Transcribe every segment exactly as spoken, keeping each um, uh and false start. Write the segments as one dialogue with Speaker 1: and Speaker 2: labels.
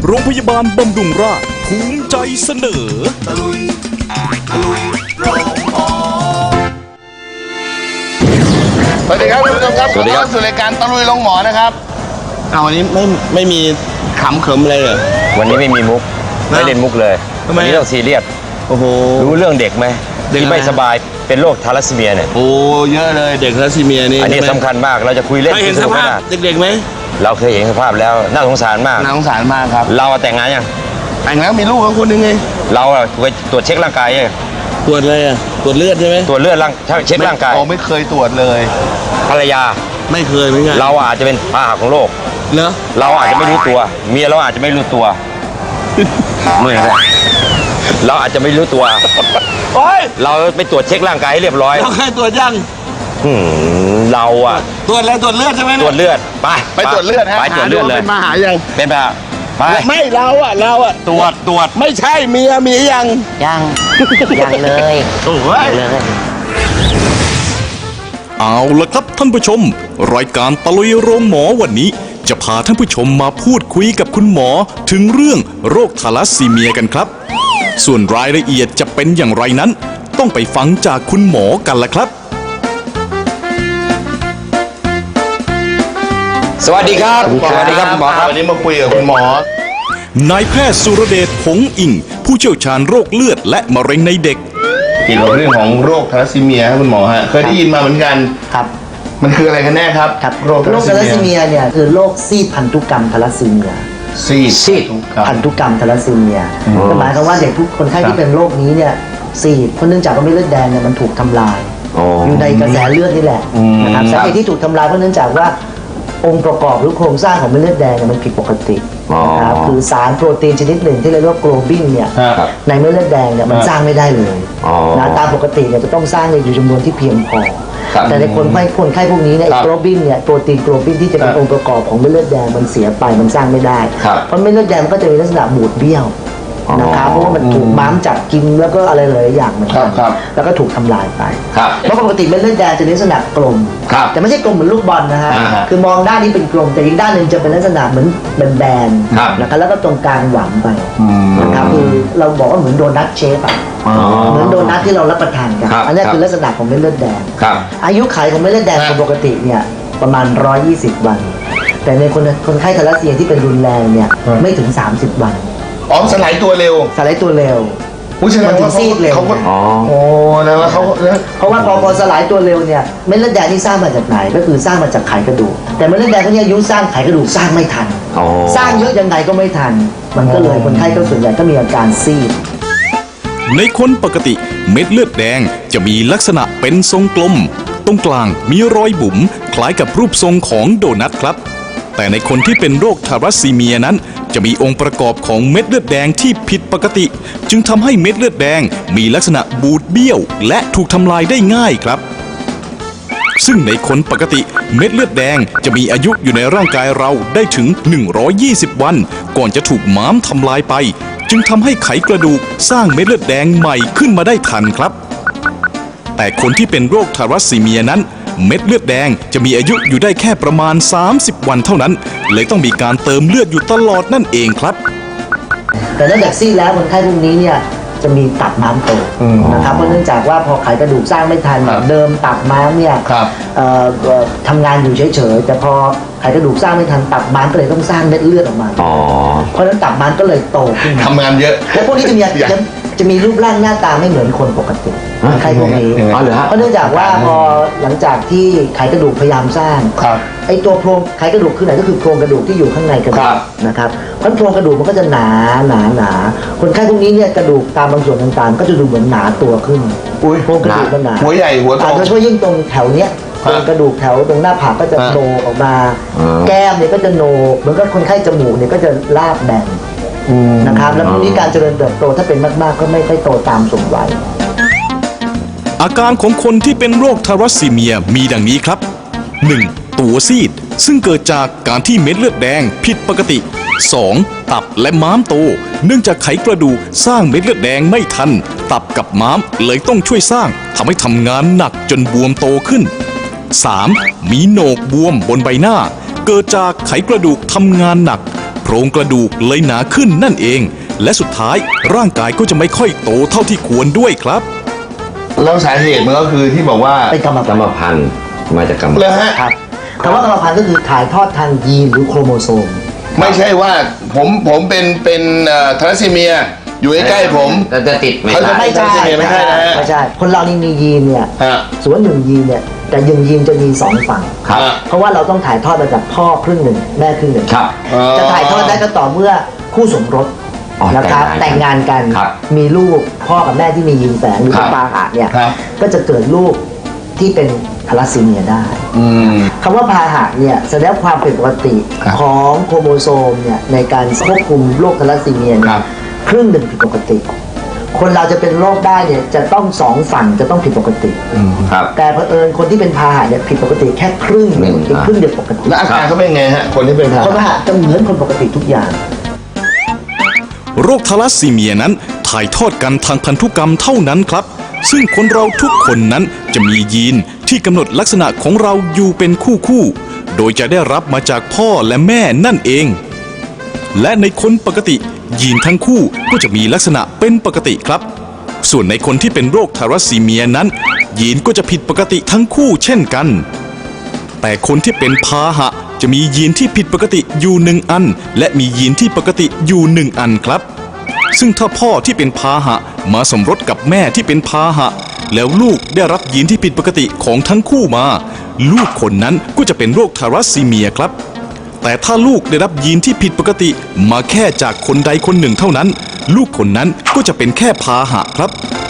Speaker 1: โรงพยาบาลบำรุงราษฎร์ภูมิใจเสนอตะลุยตะลุยโรงหมอ
Speaker 2: สวัสดีครับท่านผู้ชมครับ
Speaker 3: สวัสดีครับ
Speaker 2: สู่รายการตะลุยโรงหมอนะครับเอาวันนี้ไม่ไม่มีขำเขิมอะไรเหรอ
Speaker 3: วันนี้ไม่มีมุกไม่เล่นมุกเลย
Speaker 2: ทำไม
Speaker 3: วันนี้ต้องซีเรียส
Speaker 2: โอ้โห
Speaker 3: รู้เรื่องเด็กไหม
Speaker 2: เด็ก
Speaker 3: ที่ไม่
Speaker 2: อะไร
Speaker 3: สบายเป็นโรคทาลัสซีเมียเนี่ย
Speaker 2: โอ้เยอะเลยเด็กทาลัสซีเมียนี่
Speaker 3: อันนี้
Speaker 2: ใช่ไหม
Speaker 3: สำคัญมากเราจะคุยเล่น
Speaker 2: เคยเห็นส
Speaker 3: นุก
Speaker 2: ภาพ
Speaker 3: นาด
Speaker 2: เด็กๆไหม
Speaker 3: เราเคยเห็นสภาพแล้วน่าสงสารมาก
Speaker 2: น่าสงสารมากครับ
Speaker 3: เราแต่งงานยัง
Speaker 2: แต่งแล้วมีลูกแล้วคนหนึงไง
Speaker 3: เราอะไปตรวจเช็คร่างกายยัง
Speaker 2: ตรวจอะไรอ่ะตรวจเลือดใช่ไหม
Speaker 3: ตรวจเลือดร่างเช็คร่างกาย
Speaker 2: โอ้ไม่เคยตรวจเลย
Speaker 3: ภรรยา
Speaker 2: ไม่เคยเหมือนกัน
Speaker 3: เราอาจจะเป็นพาหะของโรค
Speaker 2: เนอะ
Speaker 3: เราอาจจะไม่รู้ตัวเมียเราอาจจะไม่รู้ตัวไม่ใช่เราอาจจะไม่รู้ตัว
Speaker 2: โอ้ย
Speaker 3: เราไปตรวจเช็คร่างกายให้เรียบร้อย
Speaker 2: เราเคยตรวจยัง
Speaker 3: อืมเราอะ
Speaker 2: ตรวจอะไรตรวจเลือดใช่ไหม
Speaker 3: ตรวจเลือดไป
Speaker 2: ไปตรวจเลือดฮะ
Speaker 3: ไปตรวจเลือดเลย
Speaker 2: หาเป็นมาหายัง
Speaker 3: เป็นปะไป
Speaker 2: ไม่เราอ่ะเราอ่ะ
Speaker 3: ตรวจตรวจ
Speaker 2: ไม่ใช่เมียมียัง
Speaker 4: ยังยังเลย
Speaker 2: โอ้ย
Speaker 4: เลย
Speaker 1: เอาละครับท่านผู้ชม รายการตะลุยโรงหมอวันนี้ จะพาท่านผู้ชมมาพูดคุยกับคุณหมอถึงเรื่องโรคทาลัสซีเมียกันครับ ส่วนรายละเอียดจะเป็นอย่างไรนั้น ต้องไปฟังจากคุณหมอกันละครับ
Speaker 3: สวัสดีครับสวัสดีครับคุณหมอครับ
Speaker 2: วันนี้มาคุยกับคุณหมอ
Speaker 1: นายแพทย์สุรเดชหงส์อิง ผู้เชี่ยวชาญโรคเลือดและมะเร็งในเด็ก
Speaker 2: เกี่ยวกับเรื่องของโรคทาลัสซีเมียครับคุณหมอฮะเคยได้ยินมาเหมือนกัน
Speaker 4: ครับ
Speaker 2: มันคืออะไรกันแน่ครับ
Speaker 4: ครับ
Speaker 2: โรค
Speaker 4: โรคทาลัสซีเมียเนี่ยคือโรคซีดพันธุกรรมทาลัสซีเมีย
Speaker 2: ซีด
Speaker 4: ซีด
Speaker 2: ครับ
Speaker 4: พันธุกรรมทาลัสซีเมียก็หมายความว่าเด็กทุกคนไข้
Speaker 2: ครับ
Speaker 4: ที่เป็นโรคนี้เนี่ยซีดเพราะเนื่องจากว่าเม็ดเลือดแดงเนี่ยมันถูกทำลาย
Speaker 3: อ๋อ
Speaker 4: อ
Speaker 3: อ
Speaker 4: ยู่ในกระแสเลือดนี่แหละ
Speaker 2: อืม
Speaker 4: นะครับ
Speaker 2: ครับ
Speaker 4: สาเหตุที่ถูกทำลายเพราะเนื่องจากว่าองค์ประกอบหรือโครงสร้างของเม็ดเลือดแดงเนี่ยมันผิดปกติ
Speaker 3: อ๋อ
Speaker 4: นะครับคือสารโปรตีนชนิดหนึ่งที่เรียกว่าโกลบินเนี่ย
Speaker 2: ครับ
Speaker 4: ในเม็ดเลือดแดงเนี่ยมัน
Speaker 2: ครับ
Speaker 4: สร้างไม่ได้เลย
Speaker 3: อ๋อ
Speaker 4: นะตามปกติเนี่ยจะต้องสร้างในอยู่จำนวนที่เพียงพอ
Speaker 2: ครับ
Speaker 4: แต่ในคนไข้คนไข้พวกนี้เนี่ย
Speaker 2: ครับ
Speaker 4: โกลบินเนี่ยโปรตีนโกลบินที่จะเป็น
Speaker 2: ครับ
Speaker 4: องค์ประกอบของเม็ดเลือดแดงมันเสียไปมันสร้างไม่ได้
Speaker 2: ครับ
Speaker 4: เพราะเม็ดเลือดแดงมันก็จะมีลักษณะบูดเบี้ยว
Speaker 3: อ๋อ
Speaker 4: นะครับเพราะว่ามันถูกม้ามจับกินแล้วก็อะไรหลายๆอย่างเหมือนกั
Speaker 2: ครับครับ
Speaker 4: แล้วก็ถูกทำลายไป
Speaker 2: ครับ
Speaker 4: เพราะปกติเม็ดเลือดแดงจะมีลักษณะกลม
Speaker 2: ครับ
Speaker 4: แต่ไม่ใช่กลมเหมือนลูกบอลนะฮะ
Speaker 2: อ่าฮะ
Speaker 4: คือมองด้านนี้เป็นกลมแต่อีกด้านหนึ่งจะเป็นลักษณะเหมือนเป็นแบน
Speaker 2: ครับ
Speaker 4: นะครับแล้วก็ตรงกลางหวานไป
Speaker 2: อืม
Speaker 4: นะครับคือเราบอกว่าเหมือนโดนัทเชฟอะ
Speaker 2: อ๋อ
Speaker 4: เหมือนโดนัทที่เรารับประทานกัน
Speaker 2: ครับ
Speaker 4: อันนี้
Speaker 2: ครับ
Speaker 4: คือลักษณะของเม็ดเลือดแดง
Speaker 2: ครับ
Speaker 4: อายุขัยของเม็ดเลือดแดง
Speaker 2: ครับ
Speaker 4: ปกติเนี่ยประมาณหนึ่งร้อยยี่สิบวัน แต่ในคนคนไข้ทาลัสซีเมียที่เป็นรุนแรงเนี่ย
Speaker 2: ครับ
Speaker 4: ไม่ถึงสามสิบวัน
Speaker 2: อ๋อสลายตัวเร็ว
Speaker 4: สไลด์ตัวเร็ว
Speaker 2: อุ้ยแสดงว่า
Speaker 4: มันถึงซีดเร็ว
Speaker 2: เขาก็
Speaker 3: อ๋อ
Speaker 2: โอ้แล้วาเขาแล้ว
Speaker 4: เพราะว่าพอพอสลายตัวเร็วเนี่ยเม็ดเลือดแดงที่สร้างมาจากไหนก็คือสร้างมาจากไขกระดูกแต่เม็ดเลือดแดงพวกนี้อายุสร้างไขกระดูกสร้างไม่ทัน
Speaker 3: อ๋อ
Speaker 4: สร้างเยอะยังไงก็ไม่ทัน มันก็เลยคนไข้ก็ส่วนใหญ่ก็มีอาการซีด
Speaker 1: ในคนปกติเม็ดเลือดแดงจะมีลักษณะเป็นทรงกลม ตรงกลางมีรอยบุ๋มคล้ายกับรูปทรงของโดนัทครับ แต่ในคนที่เป็นโรคทาลัสซีเมียนั้น จะมีองค์ประกอบของเม็ดเลือดแดงที่ผิดปกติ จึงทำให้เม็ดเลือดแดงมีลักษณะบูดเบี้ยว และถูกทำลายได้ง่ายครับ ซึ่งในคนปกติเม็ดเลือดแดงจะมีอายุอยู่ในร่างกายเราได้ถึง หนึ่งร้อยยี่สิบ วัน ก่อนจะถูกม้ามทำลายไป จึงทำให้ไขกระดูกสร้างเม็ดเลือดแดงใหม่ขึ้นมาได้ทันครับ แต่คนที่เป็นโรคทาลัสซีเมียนั้น เม็ดเลือดแดงจะมีอายุอยู่ได้แค่ประมาณ สามสิบ วันเท่านั้น เลยต้องมีการเติมเลือดอยู่ตลอดนั่นเองครับ
Speaker 4: แต่นอกจากซีดแล้วคนไข้พวกนี้เนี่ยจะมีตับม้ามโต
Speaker 2: อืม
Speaker 4: นะครับเพราะเนื่องจากว่าพอไขกระดูกสร้างไม่ทัน
Speaker 2: ครับ
Speaker 4: เดิมตับม้ามเนี่ย
Speaker 2: ครับ
Speaker 4: เอ่อเอ่อทำงานอยู่เฉยๆแต่พอไขกระดูกสร้างไม่ทันตับม้ามก็เลยต้องสร้างเม็ดเลือดออกมา
Speaker 3: อ๋อ
Speaker 4: เพราะฉะนั้นตับม้ามก็เลยโตขึ้นมา
Speaker 2: ทำงานเยอะ
Speaker 4: แล้วพวกนี้จะมี
Speaker 2: อยาก
Speaker 4: จะจะมีรูปร่างหน้าตาไม่เหมือนคนปกติคนไข้พวกนี้
Speaker 2: ยังไง
Speaker 3: อ๋อเหรอฮะ
Speaker 4: เพราะเนื่องจากว่าพอหลังจากที่ไขกระดูกพยายามสร้าง
Speaker 2: ครับ
Speaker 4: ไอตัวโครงไขกระดูกคือไหนก็คือโครงกระดูกที่อยู่ข้างในกระดู
Speaker 2: ครั
Speaker 4: ก
Speaker 2: บ
Speaker 4: นะครับเพราะโครงกระดูกมันก็จะหนาหนาหนาคนไข้พวกนี้เนี่ยกระดูกตามบางส่วนต่างๆ ก็จะดูเหมือนหนาตัวขึ้น
Speaker 2: อุ้ย
Speaker 4: โครงกระดูกมันหนา
Speaker 2: หัวใหญ่หัวโต
Speaker 4: อ่าโดยเฉพาะยิ่งตรงแถวเนี้ย
Speaker 2: ครั
Speaker 4: ต
Speaker 2: บ
Speaker 4: รงกระดูกแถวตรงหน้าผากก็จะ
Speaker 2: ครับ
Speaker 4: โนออกมา
Speaker 3: อืม
Speaker 4: แก้มเนี่ยก็จะโนเหมือนกับคนไข้จมูกเนี่ยก็จะลาบแบ่งนะครับแล้วพวกนี้การเจริญเติบโตถ้าเป็นมากๆก็ไม่ค่อยโตตามสมวัย
Speaker 1: อาการของคนที่เป็นโรคทาลัสซีเมียมีดังนี้ครับ หนึ่ง. ตัวซีด ซึ่งเกิดจากการที่เม็ดเลือดแดงผิดปกติ สอง. ตับและม้ามโต เนื่องจากไขกระดูกสร้างเม็ดเลือดแดงไม่ทัน ตับกับม้ามเลยต้องช่วยสร้างทำให้ทำงานหนักจนบวมโตขึ้น สาม. มีโหนกบวมบนใบหน้า เกิดจากไขกระดูกทำงานหนัก เพรงกระดูกเลยหนาขึ้นนั่นเอง และสุดท้ายร่างกายก็จะไม่ค่อยโตเท่าที่ควรด้วยครับ
Speaker 2: แล้วสาเหตุมันก็คือที่บอกว่า
Speaker 4: เป็นกรรม
Speaker 3: กร
Speaker 4: พัน
Speaker 3: รม
Speaker 4: ธุ์
Speaker 3: พันธุ์มาจากกรรม
Speaker 2: เลยฮะ
Speaker 4: ครับคำว่ากรรมพันธุ์ก็คือถ่ายทอดทางยีนหรือโครโมโซม
Speaker 2: ไม่ใช่ว่าผมผมเป็นเป็นทาลัสซีเมียอยู่ใกล้ๆผม
Speaker 3: แต่จะติดไม่
Speaker 2: เขาจะ
Speaker 3: ได้
Speaker 2: ไม่ใช่ไม่ใช่นะฮะ
Speaker 4: ไม่ใช่คนเรานี่มียีนเนี่ย
Speaker 2: ฮะ
Speaker 4: ส่วนหนึ่งยีนเนี่ยแต่ยังยีนจะมีสองฝั่ง
Speaker 3: ครับ
Speaker 4: เพราะว่าเราต้องถ่ายทอดมาจากพ่อครึ่งหนึ่งแม่ครึ่งหนึ่ง
Speaker 3: ครับ
Speaker 2: อ๋อ
Speaker 4: จะถ่ายทอดได้ก็ต่อเมื่อคู่สมรส
Speaker 3: อ๋อ
Speaker 4: นะครับ
Speaker 3: แต่
Speaker 4: แต่
Speaker 3: งงาง
Speaker 4: งาน นกัน
Speaker 3: ครับ
Speaker 4: มีลูกพ่อกับแม่ที่มียีนแฝงหรือเป็น
Speaker 3: ครับ
Speaker 4: ปาหะเนี่ย
Speaker 2: ครับ
Speaker 4: ก็จะเกิดลูกที่เป็นทาลัสซีเมียได้
Speaker 2: อืม
Speaker 4: คำว่าพาหะเนี่ยแสดงความผิดปกติ
Speaker 2: ครับ
Speaker 4: ของโครโมโซมเนี่ยในการควบคุมโรคทาลัสซีเมียเนี่
Speaker 2: ครั
Speaker 4: ย
Speaker 2: บ
Speaker 4: ครึ่งหนึ่งผิดปกติ คนเราจะเป็นโรคได้เนี่ยจะต้องสองฝั่งจะต้องผิดปกติ
Speaker 3: ครับ
Speaker 4: แต่เผอิญคนที่เป็นพาหะเนี่ยผิดปกติแค่ครึ่งหนึ่ง
Speaker 3: หนึ่ง
Speaker 4: เป็นครึ่งเดียวปกติ
Speaker 2: แล้วอาการเขาเป็นไงฮะ คนที่เป็นพา
Speaker 4: คนพา
Speaker 2: หะ
Speaker 4: หะจะเหมือนคนปกติทุกอย่าง
Speaker 1: โรคทาลัสซีเมียนั้นถ่ายทอดกันทางพันธุกรรมเท่านั้นครับ ซึ่งคนเราทุกคนนั้นจะมียีนที่กำหนดลักษณะของเราอยู่เป็นคู่คู่ๆโดยจะได้รับมาจากพ่อและแม่นั่นเอง และในคนปกติยีนทั้งคู่ก็จะมีลักษณะเป็นปกติครับ ส่วนในคนที่เป็นโรคทาลัสซีเมียนั้น ยีนก็จะผิดปกติทั้งคู่เช่นกัน แต่คนที่เป็นพาหะจะมียีนที่ผิดปกติอยู่หนึ่งอัน และมียีนที่ปกติอยู่หนึ่งอันครับ ซึ่งถ้าพ่อที่เป็นพาหะมาสมรสกับแม่ที่เป็นพาหะ แล้วลูกได้รับยีนที่ผิดปกติของทั้งคู่มา ลูกคนนั้นก็จะเป็นโรคทาลัสซีเมียครับ แต่ถ้าลูกได้รับยีนที่ผิดปกติมาแค่จากคนใดคนหนึ่งเท่านั้น ลูกคนนั้นก็จะเป็นแค่พาหะครับ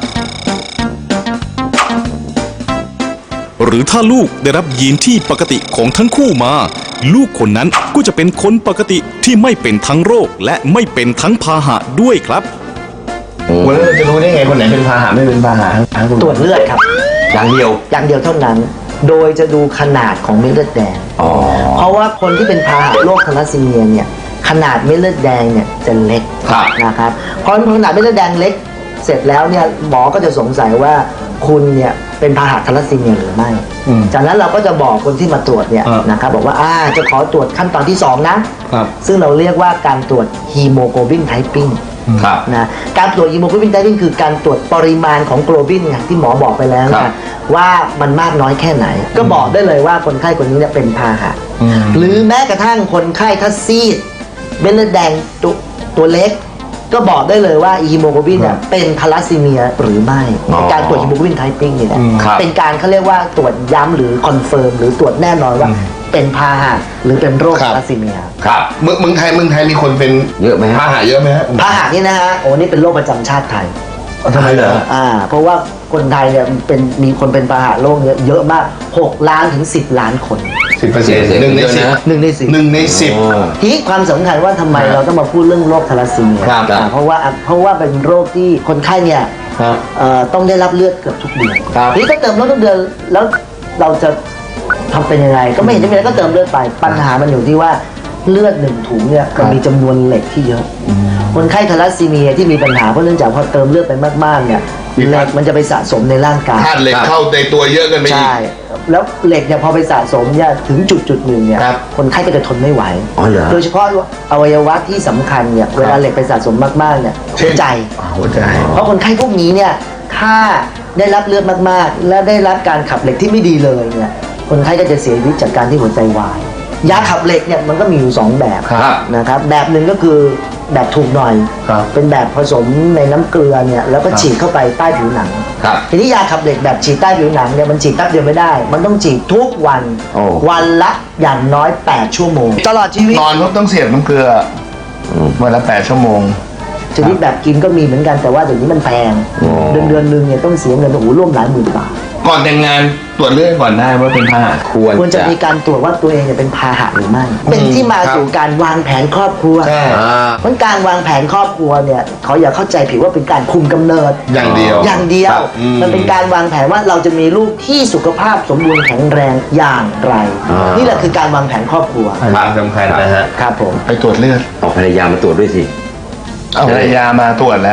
Speaker 1: หรือถ้าลูกได้รับยีนที่ปกติของทั้งคู่มา ลูกคนนั้นก็จะเป็นคนปกติที่ไม่เป็นทั้งโรคและไม่เป็นทั้งพาหะด้วยครับ
Speaker 2: วันนั้นเราจะรู้ได้ไงคนไหนเป็นพาหะไม่เป็นพาหะทั้งคุณ
Speaker 4: ตรวจเลือดครับ
Speaker 3: อย่างเดียว
Speaker 4: อย่างเดียวเท่านั้น โดยจะดูขนาดของเม็ดเลือดแดง
Speaker 3: อ๋อ
Speaker 4: เพราะว่าคนที่เป็นพาหะโรคทาลัสซีเมียเนี่ยขนาดเม็ดเลือดแดงเนี่ยจะเล็ก
Speaker 3: ครับ
Speaker 4: นะครับเพราะขนาดเม็ดเลือดแดงเล็ก เสร็จแล้วเนี่ยหมอก็จะสงสัยว่าคุณเนี่ยเป็นพาหะทาลัสซีเมียหรือไม่ จากนั้นเราก็จะบอกคนที่มาตรวจเนี่ย
Speaker 2: อ่าน
Speaker 4: นะครับบอกว่าอ่าจะขอตรวจขั้นตอนที่สองนะครับ ซึ่งเราเรียกว่าการตรวจฮีโมโกลบินไทปิ้ง
Speaker 3: ครับ
Speaker 4: นะการตรวจฮีโมโกลบินไทปิ้งคือการตรวจปริมาณของโกลบินไงที่หมอบอกไปแล้ว
Speaker 3: ครั
Speaker 4: นะ
Speaker 3: บ
Speaker 4: ว่ามันมากน้อยแค่ไหน ก็บอกได้เลยว่าคนไข้คนนี้เนี่ยเป็นพาหะ หรือแม้กระทั่งคนไข้ถ้าซีดเม็ดเลือดแดงตัวตัวเล็ก ก็บอกได้เลยว่าฮีโมโกลบินเนี่ยเป็นทาลัสซีเมียหรือไม่
Speaker 3: อ๋อ
Speaker 4: การตรวจฮีโมโกลบินไทปิ้งนี่แหละ
Speaker 3: ครับ
Speaker 4: เป็นการเขาเรียกว่าตรวจย้ำหรือคอนเฟิร์มหรือตรวจแน่นอนว่าเป็นพาหะหรือเป็นโรค
Speaker 2: ครับ
Speaker 4: ทาลัสซีเมีย
Speaker 3: ครับ
Speaker 2: เมืองเมืองไทยเมืองไทยมีคนเป็น
Speaker 3: เยอะไหมฮะ
Speaker 2: พาหะเยอะไหมฮะ
Speaker 4: พาหะนี่นะฮะโอ้นี่เป็นโรคประจำชาติไทย
Speaker 2: ทำไมเหรอ
Speaker 4: อ่าเพราะว่าคนไทยเนี่ยเป็นมีคนเป็นพาหะโรคเยอะเยอะมากหกล้านถึงสิบล้านคน
Speaker 2: สิบเปอร์เซ็นต์หนึ่งในสิบ
Speaker 4: หนึ่งในสิบ
Speaker 2: หนึ่งในสิบ
Speaker 3: อ๋อ
Speaker 4: ทีนี้ความสำคัญว่าทำไม
Speaker 2: ครับ
Speaker 4: เราต้องมาพูดเรื่องโรคทาลัสซีเมีย
Speaker 2: ครับ
Speaker 4: อ่าเพราะว่าเพราะว่าเป็นโรคที่คนไข้เนี่ย
Speaker 2: ครับ
Speaker 4: เอ่อต้องได้รับเลือดเกือบทุกเดือน
Speaker 2: ครับ
Speaker 4: ทีนี้ถ้าเติมเลือดทุกเดือนแล้วเราจะทำเป็นยังไง ก็ไม่เห็นจะมีอะไรก็เติมเลือดไปปัญหามันอยู่ที่ว่าเลือดหนึ่งถุงเนี่ยมันมีจำนวนเหล็กที่เยอะ คนไข้ทาลัสซีเมียที่มีปัญหาเพราะเนื่องจากพอเติมเลือดไปมากๆเนี่ย
Speaker 2: มี
Speaker 4: เหล็
Speaker 2: การ
Speaker 4: กมันจะไปสะสมในร่างกาย
Speaker 2: ธาตุเหล็กเข้าในตัวเยอะกันไปอีก
Speaker 4: ใช่ แล้วเหล็กเนี่ยพอไปสะสมเนี่ยถึงจุดจุดๆหนึ่งเนี่ย
Speaker 2: ครับ
Speaker 4: คนไข้ก็จะทนไม่ไหว
Speaker 3: อ๋อเหรอ
Speaker 4: โดยเฉพาะอวัยวะที่สำคัญเนี่ยเวลาเหล็กไปสะสมมากๆเนี่ย
Speaker 2: เช่
Speaker 4: หั
Speaker 2: น
Speaker 4: วใจ
Speaker 2: อ๋อหัวใจ
Speaker 4: เพราะคนไข้พวกนี้เนี่ยถ้าได้รับเลือดมากๆ และได้รับการขับเหล็กที่ไม่ดีเลยเนี่ยคนไข้ก็จะเสียชีวิตจากการที่หัวใจวายยาขับเหล็กเนี่ยมันก็มีอยู่สองแบบ
Speaker 3: ครับ
Speaker 4: นะครับแบบหนึ่งก็คือแบบถูกหน่อย
Speaker 2: ครับ
Speaker 4: เป็นแบบผสมในน้ำเกลือเนี่ยแล้วก็ฉีดเข้าไปใต้ผิวหนัง
Speaker 3: ครับ
Speaker 4: ทีนี้ยาขับเหล็กแบบฉีดใต้ผิวหนังเนี่ยมันฉีดแป๊บเดียวไม่ได้ มันต้องฉีดทุกวัน
Speaker 3: โอ้
Speaker 4: วันละอย่างน้อยแปดชั่วโมง ตลอดชีวิต
Speaker 2: นอนก็ต้องเสียบน้ำเกลืออวันละแปดชั่วโมง
Speaker 4: ชนิดแบบกินก็มีเหมือนกันแต่ว่าเดี๋ยวนี้มันแพง
Speaker 3: โอ้
Speaker 4: เดือนเดือนหนึงเนี่ยต้องเสียเงินโอ้โหร่วมหลายหมื่นบาท
Speaker 2: ก่อนแต่งงานตรวจเลือดก่อนได้ว่าเป็นพาหะ
Speaker 3: ควร
Speaker 4: ควรจะ
Speaker 3: จะ
Speaker 4: มีการตรวจว่าตัวเองเนี่ยเป็นพาหะหรือไม่ เป็นที่มา
Speaker 2: ครับ
Speaker 4: สู่การวางแผนครอบครัว
Speaker 2: ใช่
Speaker 3: อ่า
Speaker 4: เพราะการวางแผนครอบครัวเนี่ยเขาอย่าเข้าใจผิดว่าเป็นการคุมกำเนิด
Speaker 2: อย่างเดียว
Speaker 4: อย่างเดียว
Speaker 2: ครับอืม
Speaker 4: มันเป็นการวางแผนว่าเราจะมีลูกที่สุขภาพสมบูรณ์แข็งแรงอย่างไร
Speaker 3: อ่านี่
Speaker 4: นี่แหละคือการวางแผนครอบครัว
Speaker 2: อันนี้สำคัญนะฮะ
Speaker 4: ครับผม
Speaker 2: ไปตรวจเลือด
Speaker 3: เอาภรรยามาตรวจด้วยสิ
Speaker 2: เอาภรรยามาตรวจแล้ว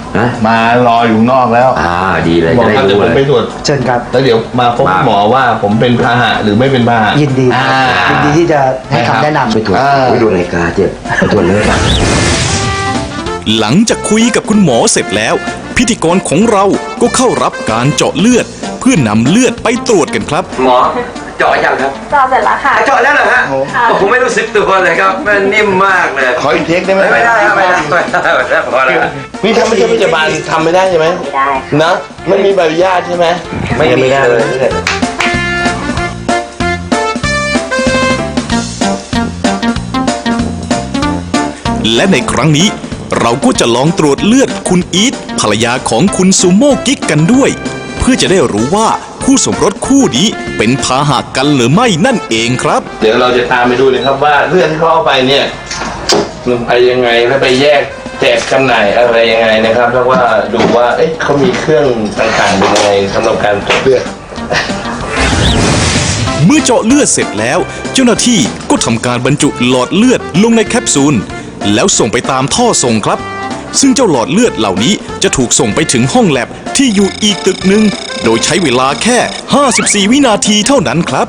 Speaker 3: ฮะ
Speaker 2: มารออยู่ข้างนอกแล้ว
Speaker 3: อ่าดีเลย
Speaker 2: หมอ
Speaker 3: จะได้
Speaker 2: ครับเดี๋ยว
Speaker 3: รู้
Speaker 2: ผม
Speaker 3: เล
Speaker 2: ไป
Speaker 3: ย
Speaker 2: ตรวจ
Speaker 4: เชิญครับ
Speaker 2: แล้วเดี๋ยวมาพบ
Speaker 3: มา
Speaker 2: หมอว่าผมเป็นพาหะหรือไม่เป็นพาหะ
Speaker 4: ยินดีครับ
Speaker 2: อ่ายิ
Speaker 4: ยินดีที่จะให้คำแนะนำ
Speaker 3: ไปตรวจ
Speaker 2: อ่า
Speaker 3: ไปดูรายการเจ็บไปตรวจเลือดก่อน
Speaker 1: หลังจากคุยกับคุณหมอเสร็จแล้ว พิธีกรของเราก็เข้ารับการเจาะเลือด เพื่อนำเลือดไปตรวจกันครับ
Speaker 3: หมอเจาะยังครับ
Speaker 5: จอเสร็จแล้วค่ะ
Speaker 3: เจาะแล้วเหรอฮะ
Speaker 5: ค่ะ
Speaker 3: ผมไม่รู้สึกตัวเลยครับมันนิ่มมากเลย
Speaker 2: ขออีกเทคได้ไหม
Speaker 3: ไม่ได้ครับไม่ได้ไม่ได้ไม่ได้พอแล้ว
Speaker 2: นี่ถ้าไม่ใช่พยาบาลทำไม่ได้ใช่ไหม
Speaker 5: ไม่ได้ค่ะ
Speaker 2: นะไม่มีใบอนุญาตใช่ไหม
Speaker 3: ไม่มีเลย
Speaker 1: และในครั้งนี้เราก็จะลองตรวจเลือดคุณอีทภรรยาของคุณซูโม่กิ๊กกันด้วย เพื่อจะได้รู้ว่าคู่สมรสคู่นี้เป็นพาหะกันหรือไม่นั่นเองครับ
Speaker 2: เดี๋ยวเราจะตามไปดูนะครับว่าเลือดที่เขาเอาไปเนี่ยมันไปยังไงแล้วไปแยกแจกจำหน่ายอะไรยังไงนะครับแล้วว่าดูว่าเอ๊ะเขามีเครื่องต่างๆเป็นยังไงสำหรับการตรวจเลือด
Speaker 1: เมื่อเจาะเลือดเสร็จแล้ว เจ้าหน้าที่ก็ทำการบรรจุหลอดเลือดลงในแคปซูลแล้วส่งไปตามท่อส่งครับ ซึ่งเจ้าหลอดเลือดเหล่านี้จะถูกส่งไปถึงห้องแลบที่อยู่อีกตึกหนึ่งโดยใช้เวลาแค่ ห้าสิบสี่ วินาทีเท่านั้นครับ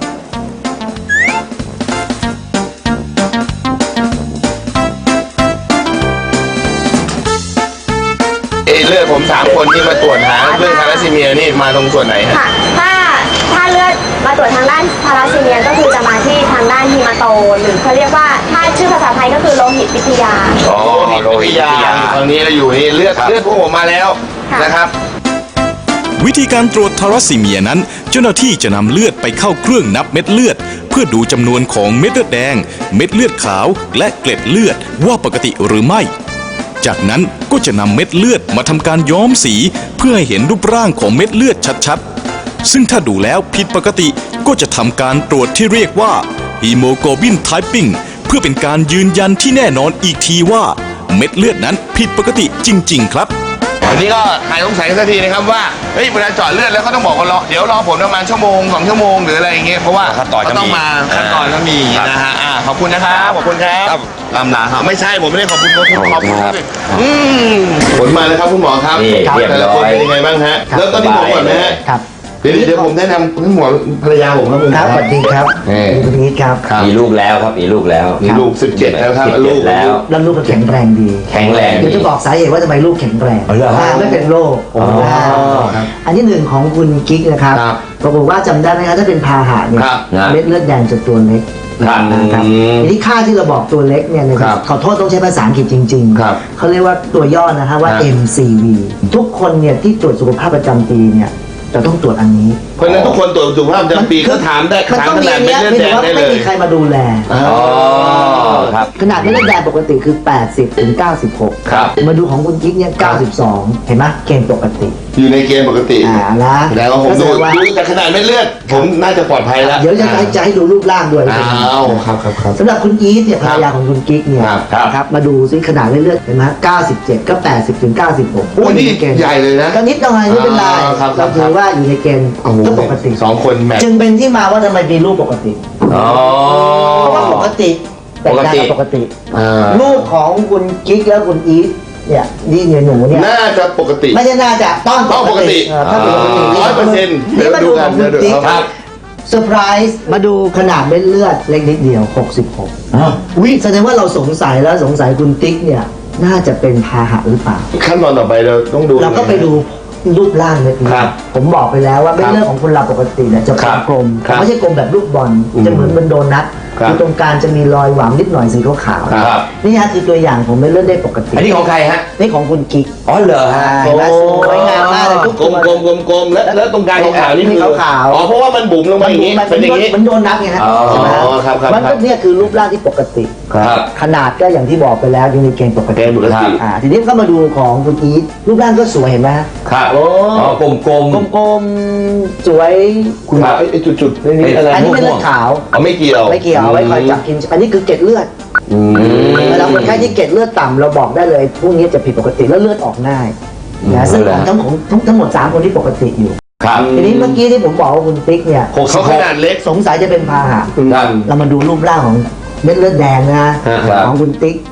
Speaker 2: เอยเลือดผมสามคนที่มาตรวจหาเรื่องทาลัสซีเมียนี่มาตรงส่วนไหนฮะ
Speaker 5: ค่ะ ถ้าถ้าเลือดมาตรวจทางด้านทาราซีเมียก็คือจะมาที่ทางด้านฮีมาโต หรือเขาเรียกว่าถ้าชื่อภาษาไทยก็คือโลหิตวิทยา
Speaker 2: อ๋อโลหิตวิทยาตอนนี้เราอยู่นี่เลือดเลือดพวกผมมาแล้ว
Speaker 5: ค่ะ
Speaker 2: นะครับ
Speaker 1: วิธีการตรวจทารัสซีเมียนั้น เจ้าหน้าที่จะนำเลือดไปเข้าเครื่องนับเม็ดเลือด เพื่อดูจำนวนของเม็ดเลือดแดง เม็ดเลือดขาว และเกล็ดเลือดว่าปกติหรือไม่ จากนั้นก็จะนำเม็ดเลือดมาทำการย้อมสี เพื่อให้เห็นรูปร่างของเม็ดเลือดชัดๆ ซึ่งถ้าดูแล้วผิดปกติก็จะทำการตรวจที่เรียกว่า Hemoglobin Typing เพื่อเป็นการยืนยันที่แน่นอนอีกทีว่า เม็ดเลือดนั้นผิดปกติจริงๆ ครับ
Speaker 2: วันนี้ก็หายสงสัยกันสักทีนะครับว่าเฮ้ยเวลาเจาะเลือดแล้วเขาต้องบอกว่ารอเดี๋ยวรอผลประมาณชั่วโมงสองชั่วโมงหรืออะไรอย่างเงี้ยเพราะว่า
Speaker 3: ขั้นตอนก็
Speaker 2: เขาต้อง
Speaker 3: มี
Speaker 2: มาขั้นตอนก็มี
Speaker 3: ครับ
Speaker 2: นะฮะอ่าขอบคุณนะครับขอบคุณครับ
Speaker 3: ครับ
Speaker 2: ลำลาครับไม่ใช่ผมไม่ได้ขอบคุณขอบคุณขอบคุณ
Speaker 3: ครับ
Speaker 2: อืมผลมาแล้วครับคุณหมอครับ
Speaker 3: นี่
Speaker 2: ครับ
Speaker 3: เรียบร้อย
Speaker 2: แต่ละคนเป็นยังไงบ้างฮะเริ่มต้นที่ผมก่อนนะฮะ
Speaker 4: ครับ
Speaker 2: เดี๋ยวเดี๋ยวผมแนะนำคุณหมอภรรยาผมครับคุณหม
Speaker 4: ค
Speaker 2: อ
Speaker 4: รับสวัสดีครับ
Speaker 2: เอ่อ
Speaker 4: คุณพีทครับ
Speaker 2: ครับ
Speaker 3: มีลูกแล้วครับมีลูกแล้ว
Speaker 2: มีลูกสิบเจ็ดแล้วครับ
Speaker 3: สิบเจ็ด
Speaker 2: ลูก
Speaker 3: แล้ว
Speaker 4: แล้วลูกก็แข็งแรงดี
Speaker 3: แข็งแรง
Speaker 4: เดี๋ยวจะบอกสาเหตุว่าทำไมลูกแข็งแรง
Speaker 3: อ๋อเหรอ
Speaker 4: อ่าไม่เป็นโรค
Speaker 3: อ๋อ
Speaker 4: อ่าครับอันที่หนึ่งของคุณกิ๊กนะครับ
Speaker 2: ครับ
Speaker 4: ปรากฏว่าจำได้ไหมครับถ้าเป็นพาหะเนี่ย
Speaker 2: ครับ
Speaker 3: นะ
Speaker 4: เม็ดเลือดแดงจะตัวเล็ก
Speaker 3: ครับ
Speaker 4: นะครับ
Speaker 2: อืม
Speaker 4: ทีนี้ค่าที่เราบอกตัวเล็กเนี่ยนะค
Speaker 2: ครั
Speaker 4: รับบ ขอโทษต้องใช้ภาษาอังกฤษจริง
Speaker 2: ครับ
Speaker 4: เขาเรียกว่าตัวย่อนะฮะว่า
Speaker 2: ครับ
Speaker 4: เอ็ม ซี วี ทุกคนเนี่ยที่ตรวจสุขภาพประจำปีเนี่ยจะต้องตรวจอันนี้
Speaker 2: เพราะฉะนั้นทุกคนตรวจสุขภาพประจำปีก็ถามได้
Speaker 4: มัน
Speaker 2: ถาม
Speaker 4: ต้อง
Speaker 2: ข
Speaker 4: มี
Speaker 2: นาด
Speaker 4: อัน
Speaker 2: เป็น
Speaker 4: เนี้ย
Speaker 2: เลือด
Speaker 4: ไม่
Speaker 2: แด
Speaker 4: ถึ
Speaker 2: ง
Speaker 4: งว่า
Speaker 2: ได้
Speaker 4: ไม่
Speaker 2: เลย
Speaker 4: มีใครมาดูแล
Speaker 2: อ๋อ
Speaker 3: ครับ
Speaker 4: ขนาดเม็ดเลือดแดงปกติคือ แปดสิบถึงเก้าสิบหก
Speaker 2: ครับ
Speaker 4: มาดูของคุณกิ๊กเนี่ย เก้าสิบสอง เห็นไหมเกณฑ์ปกติ
Speaker 2: อยู่ในเกณฑ์ปกติ
Speaker 4: อ่านะ
Speaker 2: แล้วผม
Speaker 4: ก็แส
Speaker 2: ดู
Speaker 4: ดงว่า
Speaker 2: ดูแต่ขนาดไม่เลือด ผมน่าจะปลอดภัยแล้ว
Speaker 4: เดี๋ยวจะให้จะให้ดูรูปร่างด้วย
Speaker 2: อ้าวครับครับครับ
Speaker 4: สำหรับคุณอีทเนี่ยภรรยาของคุณกิ๊กเนี่ย
Speaker 2: ครับครับ
Speaker 4: นะครับมาดูซิขนาดเม็ดเลือดเห็นไหมเก้าสิบเจ็ดก็ แปดสิบถึงเก้าสิบหก
Speaker 2: โอ้ยนี่ใหญ่เลยนะ
Speaker 4: ก็นิดหน่อยไม่เป็นไร
Speaker 2: อ่าครับครั
Speaker 4: เรา
Speaker 2: บ
Speaker 4: ถือว่าอยู่ในเกณฑ์
Speaker 2: โอ้โห
Speaker 4: ก็ปกติ
Speaker 2: สองคนแมท
Speaker 4: จึงเป็นที่มาว่าทำไมมีรูปปกติ
Speaker 3: อ๋อ
Speaker 4: เพราะว่าปกติแต่งงานกับปกติ
Speaker 2: อ่า
Speaker 4: ลูกของคุณกิ๊กและคุณอีทเนี่ยนี่เนี่ยหนูเนี่ย
Speaker 2: น่าจะปกติ
Speaker 4: ไม่ใช่น่าจะต้อง
Speaker 2: ต้องปกติ
Speaker 4: เออถ้าเป็นปกติ
Speaker 2: ร้อยเปอร์เซ็นต์
Speaker 4: นี่มาดูของคุณ
Speaker 2: เดี๋ยวดู
Speaker 4: ติ๊ก
Speaker 2: กันครับ
Speaker 4: เซอร์ไพรส์มาดูขนาดเม็ดเลือดเล็กนิดเดียวหกสิบหก
Speaker 2: อุ้ย
Speaker 4: แสดงว่าเราสงสัยแล้วสงสัยคุณติ๊กเนี่ยน่าจะเป็นพาหะหรือเปล่า
Speaker 2: ขั้นตอนต่อไปเราต้องดู
Speaker 4: เราก็ไปดูรูปร่างเม็ดเลือ
Speaker 2: ครั
Speaker 4: ด
Speaker 2: บ
Speaker 4: ผมบอกไปแล้วว่าเม็ดเลือดของคนเราปกติเนี่ยจะ
Speaker 2: ค
Speaker 4: เป็
Speaker 2: รั
Speaker 4: น
Speaker 2: บ
Speaker 4: กลม
Speaker 2: ครับ
Speaker 4: ไม่ใช่กลมแบบลูกบอล
Speaker 2: อืม
Speaker 4: จะเหมือนเป็นโดนัท
Speaker 2: ครับ
Speaker 4: คือตรงกลางจะมีรอยหวานนิดหน่อยสีขาวๆ
Speaker 2: ครับ
Speaker 4: นี่ฮะคือตัวอย่างของเม็ดเลือดได้ปกติ
Speaker 3: อันนี้ของใครฮะ
Speaker 4: นี่ของคุณกิ๊ก
Speaker 3: อ๋อเหรอฮะ
Speaker 4: เห็นไหมสวยงามมากเลยทุก
Speaker 2: กล
Speaker 4: ตัว
Speaker 2: มกลมกลมกลมแล้วแล้วตรงกลางขาวๆนี่คือ
Speaker 4: ขาวๆ
Speaker 2: อ๋อเพราะว่ามันบุ๋มลงมาอย่างนี้
Speaker 4: มัน
Speaker 2: เป็นอย่างนี้
Speaker 4: มันโดนัทไงฮะ
Speaker 3: อ๋อ
Speaker 4: ใช่ไหมฮะ
Speaker 2: ครับครับ
Speaker 4: มัน
Speaker 2: ครั
Speaker 4: ก็
Speaker 2: บ
Speaker 4: เนี่ยคือรูปร่างที่ปกติ
Speaker 2: ครับ
Speaker 4: ขนาดก็อย่างที่บอกไปแล้วอยู่ในเกณฑ์ปก
Speaker 2: เก
Speaker 4: ติ
Speaker 2: ณฑ์ปกติ
Speaker 4: อ่าทีนี้ก็มาดูของคุณอีทรูปร่างก็สวยเห็นไหมฮะ
Speaker 2: ครับ
Speaker 4: โอ้
Speaker 3: อ๋อกลม
Speaker 4: กลมๆสวย
Speaker 2: คุณไอ้ไอ้จุดๆนี่อะไร
Speaker 4: อันนี้ไม่เลือดขาว
Speaker 2: อ๋อไม่เกี่ยว
Speaker 4: ไม่เกี่ยวเอาไว้คอยจับกิน อันนี้คือเกล็ดเลือด
Speaker 2: อืม
Speaker 4: เวลาคนไข้ที่เกล็ดเลือดต่ำเราบอกได้เลยพวกนี้จะผิดปกติแล้วเลือดออกง่ายนะซึ่งของทั้งของทั้งทั้งหมดสามคนที่ปกติอยู่
Speaker 3: ๆครับ
Speaker 4: ทีนี้เมื่อกี้ที่ผมบอกว่าคุณติ๊กเนี่ย
Speaker 3: หกสิ
Speaker 2: เขา
Speaker 3: บ
Speaker 2: ข
Speaker 3: หก
Speaker 2: นาดเล็ก
Speaker 4: สงสัยจะเป็นพาหะ
Speaker 3: ครับ
Speaker 4: เรามาดูรูปร่างของเม็ดเลือดแดงนะ
Speaker 2: ฮะ
Speaker 3: ครับ
Speaker 4: ของคุณติ๊ก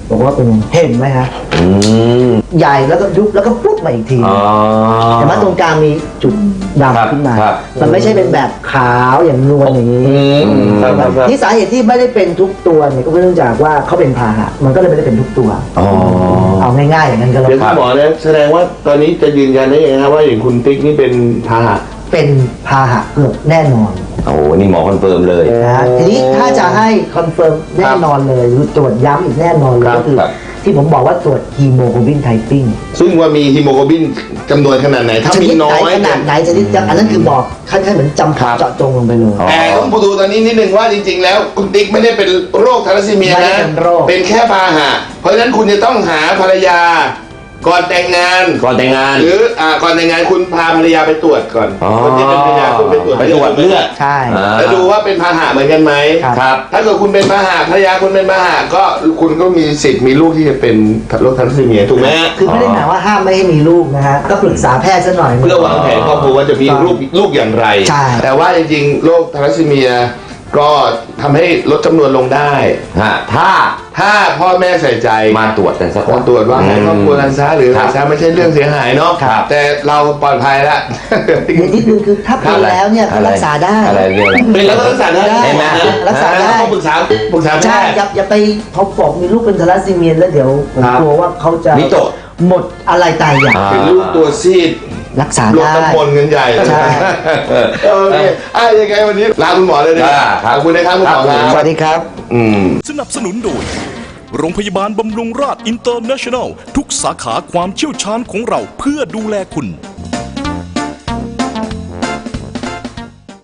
Speaker 4: บอกว่าเป็นไงเห็นไหมฮะ
Speaker 3: อืม
Speaker 4: ใหญ่แล้วก็ยุบแล้วก็ปุ๊บมาอีกที
Speaker 3: อ๋อ
Speaker 4: เห็นไหมตรงกลางมีจุด
Speaker 3: ครับ
Speaker 4: ดำขึ้นมา
Speaker 3: ครับ
Speaker 4: มันไม่ใช่เป็นแบบขาวอย่างนวลอย่างนี้
Speaker 2: ครับครับครับ
Speaker 4: ที่สาเหตุที่ไม่ได้เป็นทุกตัวเนี่ยก็เนื่องจากว่าเขาเป็นพาหะมันก็เลยไม่ได้เป็นทุกตัว
Speaker 3: อ๋อ
Speaker 4: เอาง่ายๆอย่างนั้นก็แล้ว
Speaker 2: เดี๋ยว
Speaker 4: กั
Speaker 2: คุ
Speaker 4: น
Speaker 2: ณหมอเนี่ยแสดงว่าตอนนี้จะยืนยันได้ยังไงครับว่าอย่างคุณติ๊กนี่เป็นพาหะ
Speaker 4: เป็นพาหะเกือบแน่นอน
Speaker 3: โอ้โหนี่หมอคอนเฟิร์มเลย
Speaker 4: นะฮะทีนี้ถ้าจะให้คอนเฟิร์มแน่นอนเลยหรือตรวจย้ำอีกแน่นอนเลย
Speaker 2: ครับ
Speaker 4: ก็คือ
Speaker 3: ครับ
Speaker 4: ที่ผมบอกว่าตรวจฮีโมโกลบินไทปิ้ง
Speaker 2: ซึ่งว่ามีฮีโมโกลบินจำนวนขนาดไหน ถ้า
Speaker 4: ช
Speaker 2: มี
Speaker 4: นิด
Speaker 2: น้
Speaker 4: ไหน
Speaker 2: อย
Speaker 4: ขนาดไหนชนิดจะอันนั้นคือบอกขั้นๆเหมือนจำ
Speaker 2: ครับ
Speaker 4: เจาะจงลงไปเลย
Speaker 3: อ๋อ
Speaker 2: แต่ต้องดูตอนนี้นิดนึงว่าจริง ๆ แล้วคุณติ๊กไม่ได้เป็นโรคทาลัสซีเมีย
Speaker 4: ไม่ได้
Speaker 2: นะ
Speaker 4: เป็นโรค
Speaker 2: เป็นแค่พาหะเพราะฉะนั้นคุณจะต้องหาภรรยาก่อนแต่งงาน
Speaker 3: ก่อนแต่งงาน
Speaker 2: หรืออ่าก่อนแต่งงานคุณพาภรรยาไปตรวจก่อน
Speaker 3: อ๋อ
Speaker 2: คนที่เป็นภรรยาคุณไปตรวจ
Speaker 3: ไปตรวจเลือด
Speaker 4: ใช่
Speaker 3: อ่า
Speaker 2: แล้วดูว่าเป็นพาหะเหมือนกันไหม
Speaker 4: ครับ
Speaker 3: ครับ
Speaker 2: ถ้าเกิดคุณเป็นพาหะภรรยาคุณเป็นพาหะก็คุณก็มีสิทธิ์มีลูกที่จะเป็นโรคทาลัสซีเมียถูกไหมฮะ
Speaker 4: คือไม่ได้หมายว่าห้ามไม่ให้มีลูกนะฮะก็ปรึกษาแพทย์ซะหน่อย
Speaker 2: เพื่อวางแผนครอบครัวว่าจะมีลูกลูกอย่างไร
Speaker 4: ใช่
Speaker 2: แต่ว่าจริงๆโรคทาลัสซีเมียก็ทำให้ลดจำนวนลงได้
Speaker 3: ฮะถ้า
Speaker 2: ถ้าพ่อแม่ใส่ใจ
Speaker 3: มาตรวจกันสัก
Speaker 2: มาตรวจว่าให้ครอบครัวกันซะหรืออะไร
Speaker 3: ครับ
Speaker 2: ซะไม่ใช่เรื่องเสียหายเนาะ
Speaker 3: ครับ
Speaker 2: แต่เราปลอดภัยแล้ว
Speaker 4: เดี๋ยวนิดนึงคือถ้าเป็นแล้วเนี่ยก็รักษาได้
Speaker 3: อะไรเรื่องอะไร
Speaker 2: เป็นแล้วก็รักษาได้
Speaker 4: ได้
Speaker 3: เห็นไหม
Speaker 4: รักษาได้
Speaker 2: ต้องปรึกษาปรึกษาแพ
Speaker 4: ใช่
Speaker 2: ทย์
Speaker 4: อย่าอย่าไปพอบอกมีลูกเป็นทาลัสซีเมียแล้วเดี๋ยวผม
Speaker 2: ครับ
Speaker 4: กลัวว่าเขาจะ
Speaker 3: วิตก
Speaker 4: หมดอะไรตายอยาก
Speaker 3: อ่า
Speaker 2: เป็นลูกตัวซีด
Speaker 4: รักษา
Speaker 2: ลด
Speaker 4: ได้
Speaker 2: น้ำมนต์กันใหญ่เลย
Speaker 4: ใช่
Speaker 2: โอเคอ่ะยังไงวันนี้ลาคุณหมอเลยดีกว่า
Speaker 3: ครับ
Speaker 2: ขอบคุณนะครับคุณหมอค
Speaker 3: ครั
Speaker 2: รับ
Speaker 3: บ
Speaker 4: สวัสดีครับ
Speaker 2: อืม
Speaker 1: สนับสนุนโดย โรงพยาบาลบำรุงราษอินเตอร์เนชั่นแนล ทุกสาขาความเชี่ยวชาญของเราเพื่อดูแลคุณ